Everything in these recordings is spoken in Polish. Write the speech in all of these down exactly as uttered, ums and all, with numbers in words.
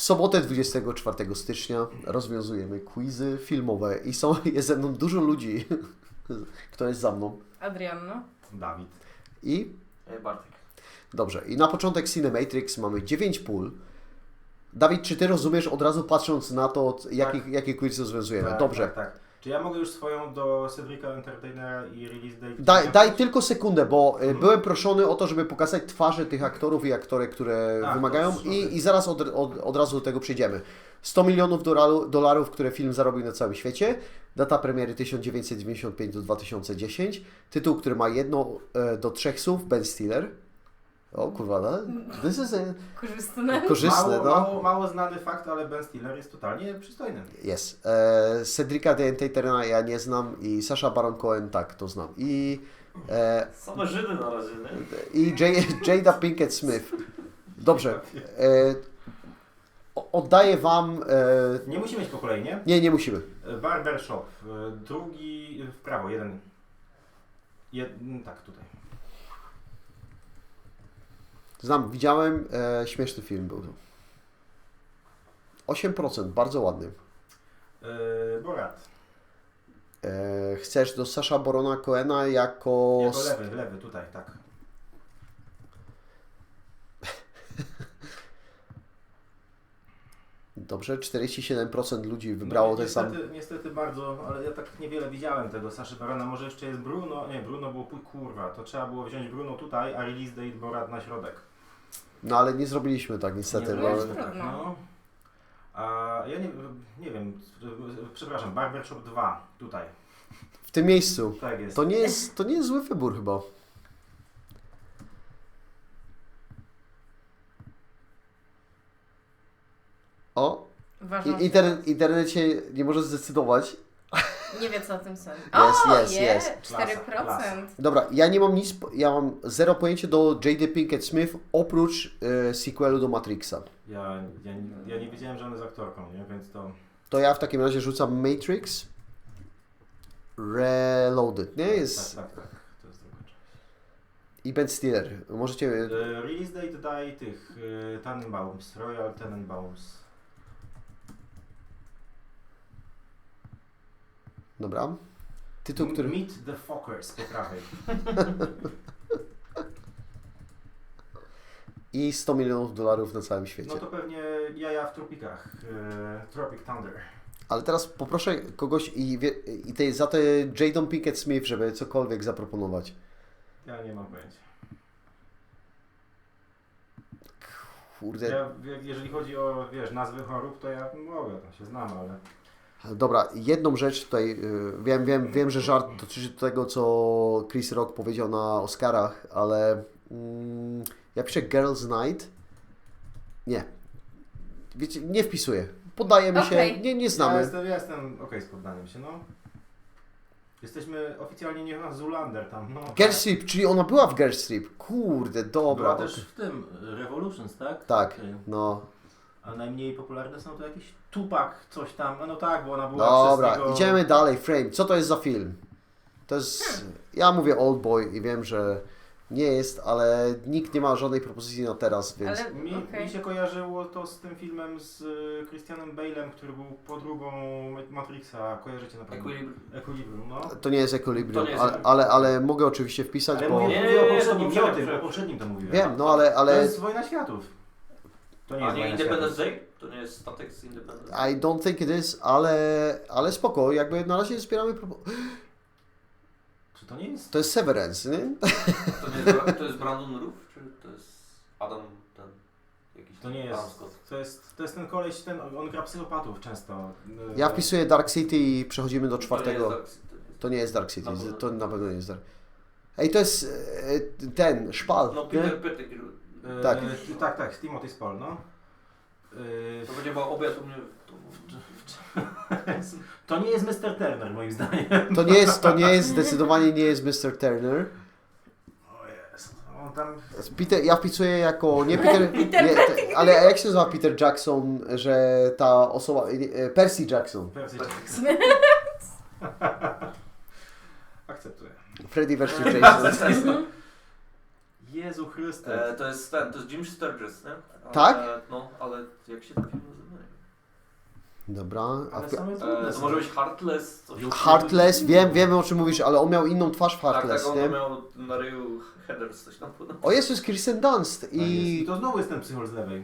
W sobotę dwudziestego czwartego stycznia rozwiązujemy quizy filmowe i są, jest ze mną dużo ludzi. Kto jest za mną? Adrianno. Dawid. I? Bartek. Dobrze. I na początek Cinematrix mamy dziewięć pól. Dawid, czy Ty rozumiesz od razu patrząc na to, jaki, tak. jaki quiz rozwiązujemy? Tak, Dobrze. Tak, tak. Czy ja mogę już swoją do Cedrica Entertainera i release date? Daj, daj tylko sekundę, bo hmm. byłem proszony o to, żeby pokazać twarze tych aktorów i aktorek, które A, wymagają to i, i zaraz od, od, od razu do tego przejdziemy. sto milionów dolarów, dolarów, które film zarobił na całym świecie, data premiery tysiąc dziewięćset dziewięćdziesiąt pięć do dwa tysiące dziesięć, tytuł, który ma jedno e, do trzech słów, Ben Stiller. O kurwa, no? This is a... Korzystne. Korzystne, mało, no. mało, mało znany fakt, ale Ben Stiller jest totalnie przystojny. Jest. E, Cedrica the Entertainera ja nie znam i Sacha Baron Cohen tak, to znam. I... E, Same Żydy na razie, nie? I J- Jada Pinkett Smith. Dobrze. E, oddaję Wam... E, Nie musimy mieć po kolei, nie? nie, nie musimy. Barbershop. Drugi w prawo, jeden. Jed... Tak, tutaj. Znam, widziałem, e, śmieszny film był to. osiem procent, bardzo ładny. Yy, Borat. E, chcesz do Sasha Barona Cohena jako... Jako lewy, lewy, tutaj, tak. Dobrze, czterdzieści siedem procent ludzi wybrało no, ten niestety, sam... Niestety bardzo, ale ja tak niewiele widziałem tego Saszy Barona. Może jeszcze jest Bruno. Nie, Bruno było pój kurwa. To trzeba było wziąć Bruno tutaj, a release date Borat na środek. No ale nie zrobiliśmy tak niestety. Nie bo... zrobiliśmy tak, no. A ja nie, nie wiem, przepraszam, Barbershop dwa, tutaj. W tym miejscu. Tak jest. To nie jest, to nie jest zły wybór chyba. O, Uważam, I, internet, internet się nie może zdecydować. Nie wie co o tym sądzi. Jest, O, jest, je, jest. cztery procent. Dobra, ja nie mam nic, ja mam zero pojęcia do Jada Pinkett Smith oprócz e, sequelu do Matrixa. Ja, ja, ja nie wiedziałem, że on jest aktorką, nie? Więc to... To ja w takim razie rzucam Matrix Reloaded, nie? Tak, Jest... tak, tak, tak. To jest druga część. I Ben Stiller. Możecie... E, Release date daj tych e, Tannenbaums, Royal Tannenbaums. Dobra. Tytuł, który... Meet the Fockers po prawej. I sto milionów dolarów na całym świecie. No to pewnie jaja w tropikach. E, Tropic Thunder. Ale teraz poproszę kogoś i, wie, i tej, za te Jadą Pinkett Smith, żeby cokolwiek zaproponować. Ja nie mam pojęcia. Kurde. Ja, jeżeli chodzi o, wiesz, nazwy chorób, to ja mogę, to się znam, ale... Dobra, jedną rzecz tutaj, yy, wiem, wiem, wiem, że żart dotyczy tego, co Chris Rock powiedział na Oscarach, ale mm, ja piszę Girls Night. Nie. Wiecie, nie wpisuję. Poddajemy Okay. się, nie, nie znamy. Ja jestem, ja jestem okej okay z poddaniem się, no. Jesteśmy oficjalnie nie na Zoolander tam, no. Girls Trip, czyli ona była w Girls Trip. Kurde, dobra. Była też w tym, Revolutions, tak? Tak, Okay. no. A najmniej popularne są to jakieś Tupac, coś tam, no, no tak, bo ona była Dobra, przez niego... idziemy dalej. Frame, co to jest za film? To jest, ja mówię Old Boy i wiem, że nie jest, ale nikt nie ma żadnej propozycji na teraz, więc... Ale, Mi, okay. mi się kojarzyło to z tym filmem z y, Christianem Bale'em, który był podróbą Matrixa, kojarzycie na pewno? Equilibrium. Equilibrium, no. To nie jest Equilibrium, To nie jest ale, ale, ale mogę oczywiście wpisać, Ale bo... mówię, Nie, mówię nie, o nie, poprzednim, to nie o poprzednim, tym, o poprzednim. poprzednim to mówiłem. Wiem, no ale... To ale jest Wojna Światów. To nie A jest nie Wojna Independence Światów. Day? To nie jest statek z Independence I Day? don't think it is, ale, ale spoko, jakby na razie zbieramy... Propo- Czy to nie jest... to jest Severance, nie? To, nie jest, to jest Brandon Roof? Czy to jest Adam ten jakiś To nie Adam jest... Scott? To jest, to jest ten koleś, ten, on gra psychopatów często. Ja wpisuję Dark City i przechodzimy do czwartego. To nie jest, To nie jest Dark City, Na pewno. to na pewno nie jest Dark. Ej, to jest e, ten, Szpal, No nie? Peter Pettigrew. E, Tak. Tak, tak, Timothy Spall, no. E, To będzie chyba obiad u mnie w domu. To nie jest mister Turner, moim zdaniem. To nie jest, to nie jest, zdecydowanie nie jest mister Turner. O jest, on tam... Peter, ja wpisuję jako, nie Peter, Peter nie, te, ale jak się nazywa Peter Jackson, że ta osoba, e, Percy Jackson, Percy Jackson. Akceptuję. Freddy versus Jason. Jezu Chryste. E, to jest ten, to jest Jim Sturgess, nie? Ale, Tak? No, ale jak się ten film nazywa? No nie wiem. Dobra. A Ale w... same E, trudne to są. może być Heartless? Coś Heartless, wiem, wiem o czym mówisz, ale on miał inną twarz w Tak, Heartless, tak, nie? on miał na ryju Heathers, coś tam podobno. O, jest, jest Kirsten Dunst Tak jest. I i... to znowu jest ten psychol z lewej.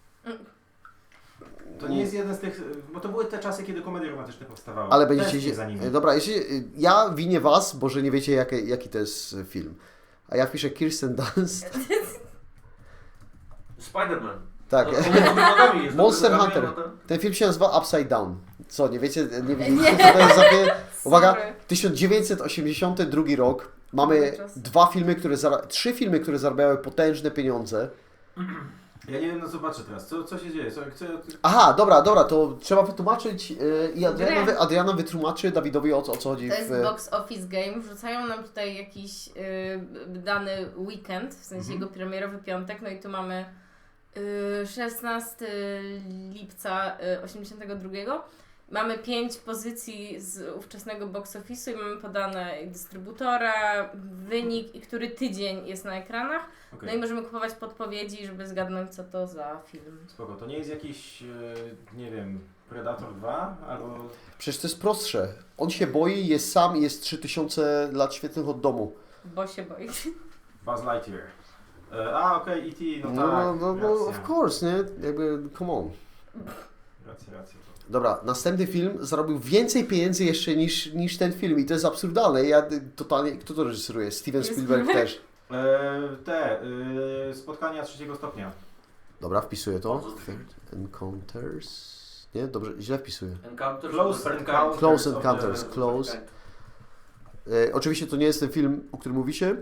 To nie jest jeden z tych, bo to były te czasy, kiedy komedie romantyczne powstawały. Ale będziecie... Tęsknię za nimi. Dobra, jeśli... ja winię was, bo że nie wiecie jaki, jaki to jest film. A ja wpiszę Kirsten Dunst. Spider-Man. Tak. No, on jest do nogami, jest do Monster nogami, Hunter. no to- Ten film się nazywa Upside Down. Co, nie wiecie, nie wiecie Nie. co to jest za film? Uwaga, Sorry. tysiąc dziewięćset osiemdziesiąty drugi rok. Mamy Dobry czas. dwa filmy, które zara- trzy filmy, które zarabiały potężne pieniądze. Ja nie wiem, no zobaczę teraz, co, co się dzieje. Co, co, Aha, dobra, dobra, to trzeba wytłumaczyć yy, i Adriana, Grę. wy, Adriana wytłumaczy Dawidowi o, co- o co chodzi To jest w... box office game. Wrzucają nam tutaj jakiś y, dany weekend, w sensie Mhm. jego premierowy piątek. No i tu mamy y, szesnastego lipca y, osiemdziesiątego drugiego. Mamy pięć pozycji z ówczesnego box office'u i mamy podane dystrybutora, wynik i który tydzień jest na ekranach. Okej. No i możemy kupować podpowiedzi, żeby zgadnąć, co to za film. Spoko, to nie jest jakiś, e, nie wiem, Predator dwa albo... Przecież to jest prostsze. On się boi, jest sam i jest trzy tysiące lat świetnych od domu. Bo się boi. Buzz Lightyear. E, a, okej, E T, no No, tak, no, no, racja. of course, nie? Jakby, come on. Racja, racja. Dobra, następny film zarobił więcej pieniędzy jeszcze niż, niż ten film i to jest absurdalne. Ja y, totalnie... Kto to reżyseruje? Steven Spielberg Spielberg. też. E, te, e, spotkania trzeciego stopnia. Dobra, wpisuję to. Co to za film? Third Encounters... Nie? Dobrze, źle wpisuję. Encounters Close of the Third Encounters. Kind. Close of the- Encounters, Close. E, oczywiście to nie jest ten film, o którym mówicie.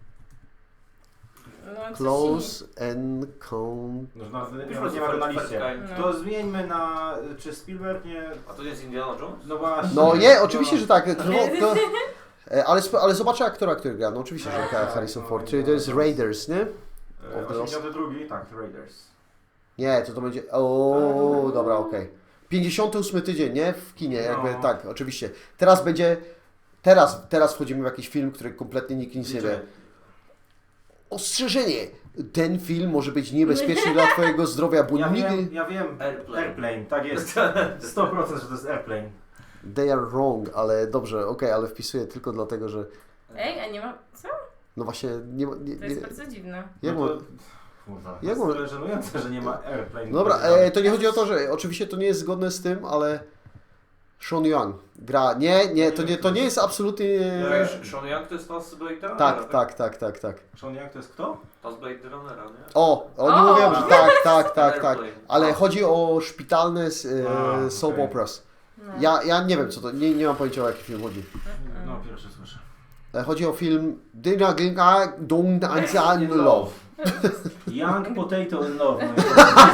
No, coś Close Encounters... No, na, Pisz nie, po nie ma go na Third liście. Kind. No. To zmieńmy na, czy Spielberg nie... A to nie jest Indiana Jones? No właśnie. No nie, oczywiście, że tak. To, Nie. to, e, ale, sp- ale zobaczę aktora, który gra. No oczywiście, że gra Harrison Ford. Czyli to jest Raiders, nie? E, Of the Lost- osiemdziesiąty drugi, tak, Raiders. Nie, to to będzie... O, dobra, okej. pięćdziesiąty ósmy tydzień, nie? W kinie, jakby No. tak, oczywiście. Teraz będzie... Teraz, teraz wchodzimy w jakiś film, który kompletnie nikt nic nie wie. Ostrzeżenie! Ten film może być niebezpieczny dla twojego zdrowia, bo Ja nigdy... wiem, ja wiem. Airplane. Airplane, tak jest. sto procent, że to jest Airplane. They are wrong, ale dobrze, okej, ale wpisuję tylko dlatego, że... Ej, a nie ma... Co? No właśnie, nie ma... Nie, To jest nie, bardzo dziwne. jak No mo- to, kurwa, to jak jest mo- tyle żenujące, że nie ma Airplane. Dobra, e, to nie chodzi o to, że oczywiście to nie jest zgodne z tym, ale Sean Young gra. Nie, nie, to nie, to nie jest absolutnie. Ja- Sean Young to jest Taz Blade Runnera? Tak, tak, tak, tak, tak. Sean Young to jest kto? Taz Blade Runnera, nie? O, oni O! mówią, że tak, tak, tak, tak. Airplane. Ale chodzi o szpitalne e, A, soap okej. operas. No. Ja, ja nie wiem co to, nie, nie mam pojęcia o jaki film chodzi. No, pierwszy słyszę. E, Chodzi o film Dina Ginga Dung Anzan Love. Young Potato in Love. No,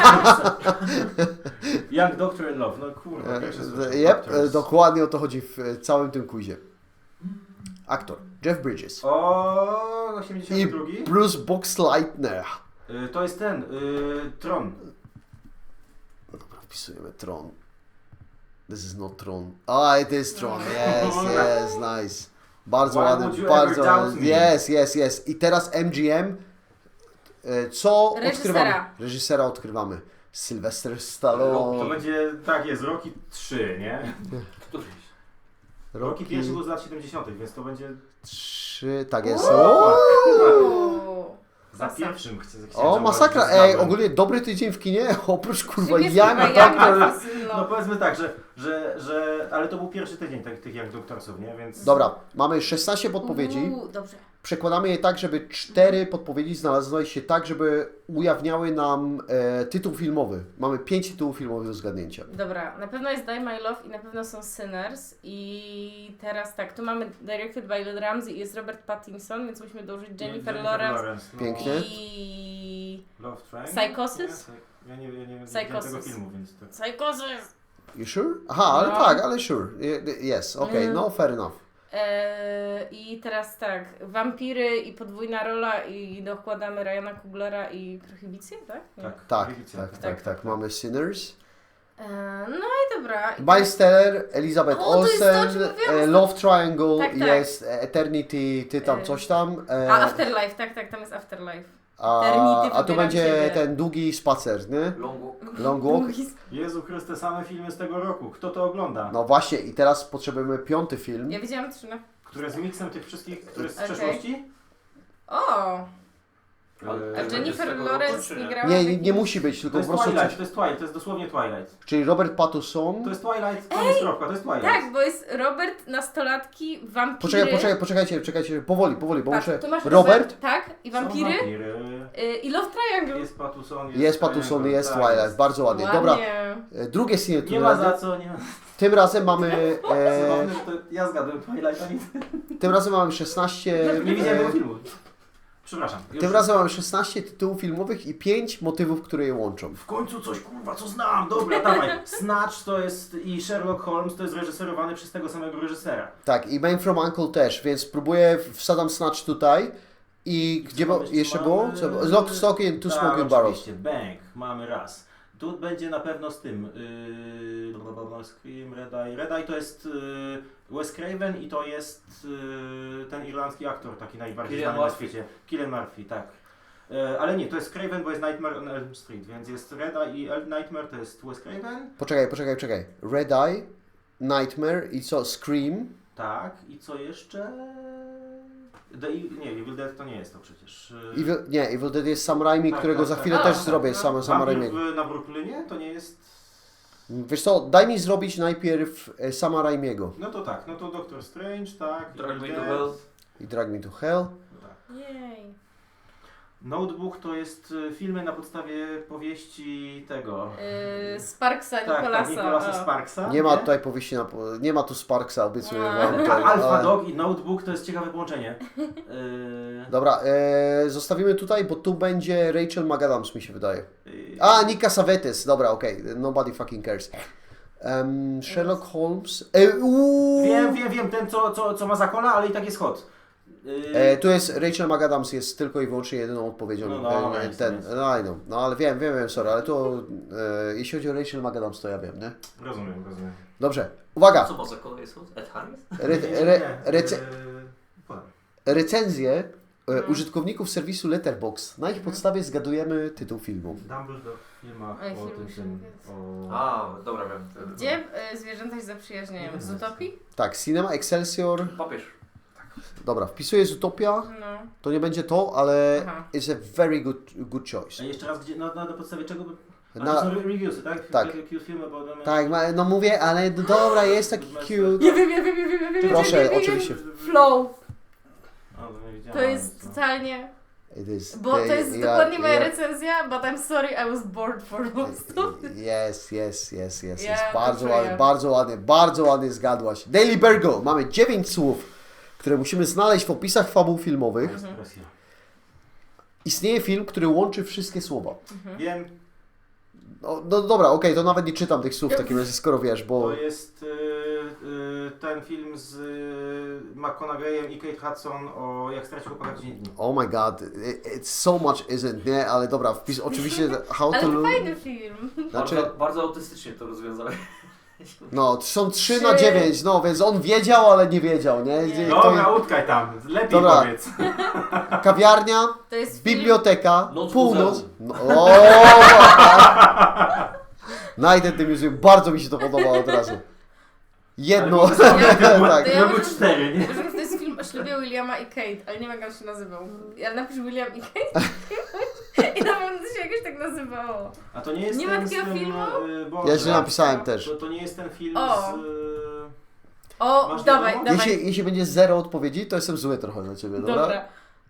Young Doctor in Love, no kurwa, pierwszy słyszę. E, Yep, Doctors. e, dokładnie o to chodzi w e, całym tym quizie. Aktor Jeff Bridges O, i osiemdziesiąty drugi? Bruce Boxleitner. Y, To jest ten, y, Tron. Dobra, wpisujemy Tron. This is not Tron. Ah, it is Tron. Yes, yes, nice. Bardzo Why ładny, would you bardzo ever doubt ładny. me? Yes, yes, yes. I teraz M G M. E, Co Reżysera. odkrywamy? Reżysera odkrywamy. Sylvester To Stallone. będzie, tak jest, Rocky trzy, nie? Któryś. Rocky pierwszy był z lat siedemdziesiątych, więc to będzie trzy, tak jest. Uuu. O, Uuu. za Masakra. pierwszym. Chcę, o masakra. Ej, ogólnie dobry tydzień w kinie. Oprócz kurwa Czym jest Young kurwa Doctor. Young Doctor? No No. powiedzmy tak, że, że, że ale to był pierwszy tydzień tak, tych jak doktorsów, nie? Więc... Dobra, mamy szesnaście podpowiedzi. Uuu, dobrze. Przekładamy je tak, żeby cztery podpowiedzi znalazły się tak, żeby ujawniały nam e, tytuł filmowy. Mamy pięć tytułów filmowych do zgadnięcia. Dobra, na pewno jest Die My Love i na pewno są Sinners i teraz tak, tu mamy directed by Lord Ramsey i jest Robert Pattinson, więc musimy dołożyć Jennifer, Lawrence no. Pięknie. i... Love Train? Psychosis? Ja nie, ja nie, ja nie Psychosis. widziałem tego filmu, więc to... Psychosis! You sure? Aha, ale No. tak, ale sure. Y- Yes, okej, Mm. no fair enough. Eee, I teraz tak, wampiry i podwójna rola i dokładamy Ryana Kuglera i Prohibicję, tak? Nie? Tak, Tak, Prohibicja, tak, tak, tak. Mamy Sinners. Eee, no i dobra. I Miles Teller, Elizabeth O, to jest to, o Olsen, czym mówiłam. e, Love Triangle, Tak, tak. jest Eternity, ty tam E, coś tam. E, A Afterlife, tak, tak, tam jest Afterlife. A, Eternity a tu wybieram będzie ciebie. ten długi spacer, nie? Long walk. Long walk. Jezu Chryste, same filmy z tego roku. Kto to ogląda? No właśnie i teraz potrzebujemy piąty film. Ja widziałam trzy. No. Które z miksem tych wszystkich, które z Okej. przeszłości? O! Ale- A Eee, Czy będzie z Jennifer tego roku, Lawrence czy nie nie? grała? Nie, w nie, nie jakimś- musi być, To tylko jest po prostu... Twilight, to jest Twilight, to jest dosłownie Twilight. Czyli Robert Pattinson... To jest Twilight, koniec kropka, to jest Twilight. Tak, bo jest Robert, nastolatki, wampiry. Poczekaj, poczekaj, poczekajcie, czekajcie, powoli, powoli, bo Patrz, muszę... tu masz Robert, Tak, i Są wampiry. wampiry. Y, I Love Triangle. Jest Pattinson, jest, jest Pattinson, jest tak, Twilight, jest. bardzo ładnie. Dobra, e, drugie sceny Nie tym ma za razem, co, nie ma. tym razem mamy... E, Zabawne, że to ja zgadłem Twilight, a nie tym razem mamy szesnaście... Nie widziałem tego E, filmu. Przepraszam. Już. tym razem mamy szesnaście tytułów filmowych i pięć motywów, które je łączą. W końcu coś kurwa, co znam. Dobra, dawaj. Snatch to jest i Sherlock Holmes to jest reżyserowany przez tego samego reżysera. Tak, i Man from Uncle też, więc próbuję, wsadzam Snatch tutaj. I gdzie Co bo, mamy- jeszcze mamy- było? Co, Lock, Stock and Two Tak, Smoking Barrels. oczywiście. Bang, mamy raz. Tu będzie na pewno z tym. Yy, blablabla, Scream, Red Eye. Red Eye to jest yy, Wes Craven i to jest yy, ten irlandzki aktor, taki najbardziej Cillian znany na Murphy. świecie. Cillian Murphy, tak. Yy, ale nie, to jest Craven, bo jest Nightmare on Elm Street, więc jest Red Eye i El Nightmare to jest Wes Craven. Poczekaj, poczekaj, poczekaj. Red Eye, Nightmare i co? Scream. Tak, i co jeszcze? The, Evil- nie, Evil Dead to nie jest to przecież. Yy, Evil, nie, Evil Dead jest Sam Raimi, Tak, którego tak, za tak. chwilę A, też tak, zrobię, no. sam, Sama Wampir Raimiego. w, na Brooklynie to nie jest. Wiesz co, daj mi zrobić najpierw e, Sama Raimiego. No to tak, no to Doctor Strange, tak. Drag Evil Me to Dead. Hell. I Drag Me to Hell. Tak. Jej. Notebook to jest y, filmy na podstawie powieści tego. Y, Sparksa, tak, tak, Nicolasa. Nicolasa o. Sparksa. Nie ma tutaj powieści na... po- Nie ma tu Sparksa, obiecuję A. wam. A to- Alpha ale- Dog i Notebook to jest ciekawe połączenie. Y, Dobra, e, zostawimy tutaj, bo tu będzie Rachel McAdams, mi się wydaje. y, A, Nika Savetes, dobra, okej, nobody fucking cares. Um, Sherlock Holmes. E, uuu. Wiem, wiem, wiem, ten co, co, co ma zakola, ale i tak jest hot. Y, E, tu jest Rachel McAdams, jest tylko i wyłącznie jedyną odpowiedzią. No, no, e, nice, ten, nice. no, I know. No ale wiem, wiem, wiem, sorry, ale to e, jeśli chodzi o Rachel McAdams, to ja wiem, nie? Rozumiem, rozumiem. Dobrze, uwaga. Co ma za kolej jest? Ed Harris? Re, Nie, nie, re, nie, rece, y, podam. recenzje e, Mhm. użytkowników serwisu Letterboxd. Na ich podstawie zgadujemy tytuł filmu. Dumbledore w filmach Oj, o film tym, się tym jest. o... A, dobra, wiem. Gdzie y, zwierzęta się zaprzyjaźniają? Z Utopii? Tak, Cinema Excelsior. Papież. Dobra, wpisuję z Utopia. No. To nie będzie to, ale Aha. it's a very good, good choice. A jeszcze raz, gdzie, na, na, na podstawie czego? by- A Na- to są re- reviewsy, tak? tak. Takie cute filmy, bo... one- Tak, ma- no mówię, ale no dobra, jest taki cute. Ja wiem, ja wiem, ja wiem, ja wiem, Proszę, ja wiem, ja wiem. oczywiście. Flow. O, to nie widziałem, To jest co. totalnie... It is, Bo to jest ja- dokładnie moja ja- recenzja, but I'm sorry I was bored for most of it. Yes, yes, yes, yes, Ja yes. to Bardzo czuję. ładnie, bardzo ładnie, bardzo ładnie zgadłaś. Daily Burgle. Mamy dziewięć słów, które musimy znaleźć w opisach fabuł filmowych. Jest presja. Istnieje film, który łączy wszystkie słowa. Wiem, No, no dobra, okej, to nawet nie czytam tych słów w takim razie, skoro wiesz, bo... to jest y, y, ten film z y, McConaugheyem i Kate Hudson o jak stracił chłopak dziesięć dni. Oh my god, it, it's so much isn't, nie? Ale dobra, wpis, oczywiście how Ale to to lo- fajny film. Znaczy, Bardzo, bardzo autystycznie to rozwiązałeś. no, są trzy Trzy. na dziewięć, no, więc on wiedział, ale nie wiedział, nie? Nie. To Dobra, utkaj tam, lepiej Dobra. powiedz. kawiarnia, To jest film... biblioteka, Noc w północ. muzeum. No, o, Night at the Museum, bardzo mi się to podobało od razu. Jedno, Ale tak. To ja Były może- cztery, nie? Uważam, że to jest film o ślubie Williama i Kate, ale nie wiem jak on się nazywał. Ja napisz William i Kate i na pewno to się jakoś tak nazywało. A to nie jest Nie ma ten z takiego tym, filmu? y, Boże, Ja źle napisałem też. To, to nie jest ten film O. z... Y, O, Masz dawaj, wiadomo? dawaj. Jeśli, jeśli będzie zero odpowiedzi, to jestem zły trochę na ciebie, dobra? Dobra.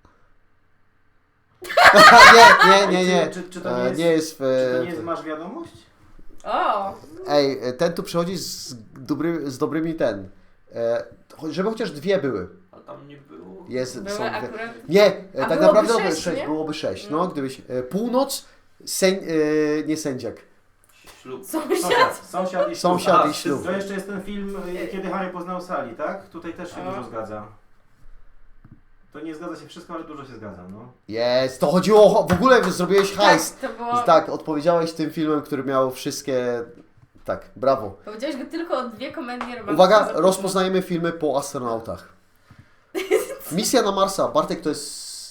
nie, nie, nie, nie. Czy, czy, czy to nie E, jest... nie jest w... Czy to nie jest Masz Wiadomość? O, Ej, ten tu przychodzi z, dobry, z dobrymi ten. E, cho- żeby chociaż dwie były. Ale tam nie było. Jest, są były dwie. akurat... Nie, e, A tak byłoby naprawdę byłoby sześć, sześć, nie? byłoby sześć. No, No. gdybyś. E, północ, sęń, e, nie sędziak. Ślub. Sąsiad. Sąsiad, sąsiad i ślub. Sąsiad A, i ślub. To jeszcze jest ten film, y, kiedy Harry poznał Sally, tak? Tutaj też się A. dużo zgadza. To nie zgadza się wszystko, ale dużo się zgadza, no. Jest, to chodziło, o- w ogóle zrobiłeś hajs. Tak, to było... Tak, odpowiedziałeś tym filmem, który miał wszystkie... Tak, brawo. Powiedziałeś go tylko o dwie komedie romantyczne. Uwaga, za późno. rozpoznajemy filmy po astronautach. Misja na Marsa. Bartek, to jest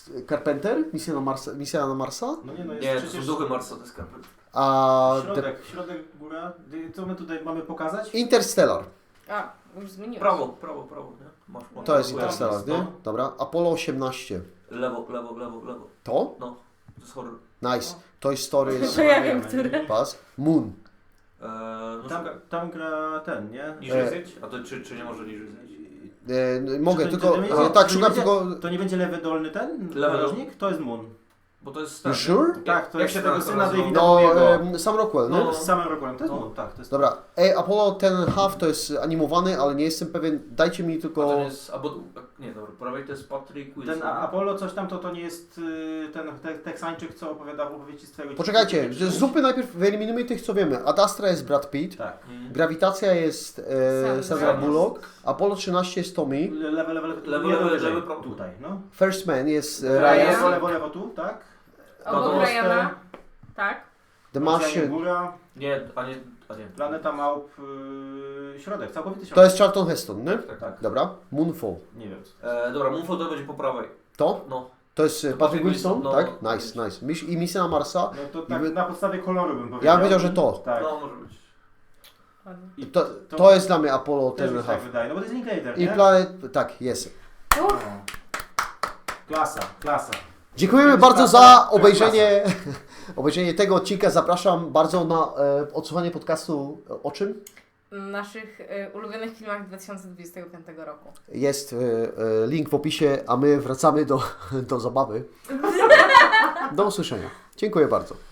Carpenter? Misja na Marsa? Misja na Marsa? No nie, no jest Nie, to są przecież... duchy Marsa, to jest Carpenter. A The Środek, środek, góra. Co my tutaj mamy pokazać? Interstellar. A, już zmieniłeś. Prawo, prawo, prawo, nie? Masz, masz To jest Dobra, Interstellar, nie? no. Dobra. Apollo osiemnaście. Lewo, lewo, lewo, lewo. To? No, to jest horror. Nice. Toy Story To ja wiem, który. Pas. Moon. Eee, no Tam, szukaj. tam gra ten, nie? Niżej E, zjedź? A to czy, czy nie może niżej zjedź? E, mogę, Czy to- tylko... to nie e, będzie- tak, to nie szukam będzie- tylko... To nie będzie lewy dolny ten? Lewy narożnik? To jest Moon. Bo to jest You ten, sure? nie? Tak, to Jak jest się tego ten syna nazywa? Davida No, Bowiego. e, Sam Rockwell, nie? No. Z samym rokiem. To jest No. Moon, tak. To jest Dobra. Ej, Apollo ten half to jest animowany, ale nie jestem pewien. Dajcie mi A tylko... ten jest, albo, nie dobra, po prawej to jest Patrick Wilson. Ten A- Apollo coś tam, to, to nie jest y, ten te, Teksańczyk, co opowiada w opowieści z twojego Poczekajcie, dzieciństwa. z zupy najpierw wyeliminujmy tych, co wiemy. Ad Astra jest Brad Pitt. Tak. Mm. Grawitacja jest e, Sandra Sandra Bullock. Bullock. Apollo trzynaście jest Tommy. Lewy, lewy, lewy, Lewy, jedno lewy, wyżej. lewy, prawo. Tutaj, no. First Man jest e, Ryan. Ryan. Lewo, lewo, lewo tu, tak? Obok Monster, Ryana. Tak. The Oceanie Martian. Góra, Nie, a nie, a nie. Planeta Małp, y, środek, całkowity środek. To jest Charlton Heston, nie? Tak, tak. Dobra. Moonfall. Nie wiem. E, dobra, Moonfall to będzie po prawej. To? No. To jest e, To Patrick Patrick Wilson, Wilson, tak? no. Nice, nice. Mis- I misja na Marsa. No to tak wy- na podstawie koloru bym powiedział. Ja bym powiedział, że to. Tak. No, może być. Ładnie. I To, to jest dla mnie Apollo też ten mi się tak half. wydaje, no bo to jest Linklater, I nie? planet... Tak, jest. No. Klasa, klasa. Dziękujemy Jest bardzo klasa, za to jest obejrzenie, obejrzenie tego odcinka. Zapraszam bardzo na e, odsłuchanie podcastu e, o czym? Naszych y, ulubionych filmach dwa tysiące dwudziestego piątego roku. Jest e, e, link w opisie, a my wracamy do, do zabawy. Do usłyszenia. Dziękuję bardzo.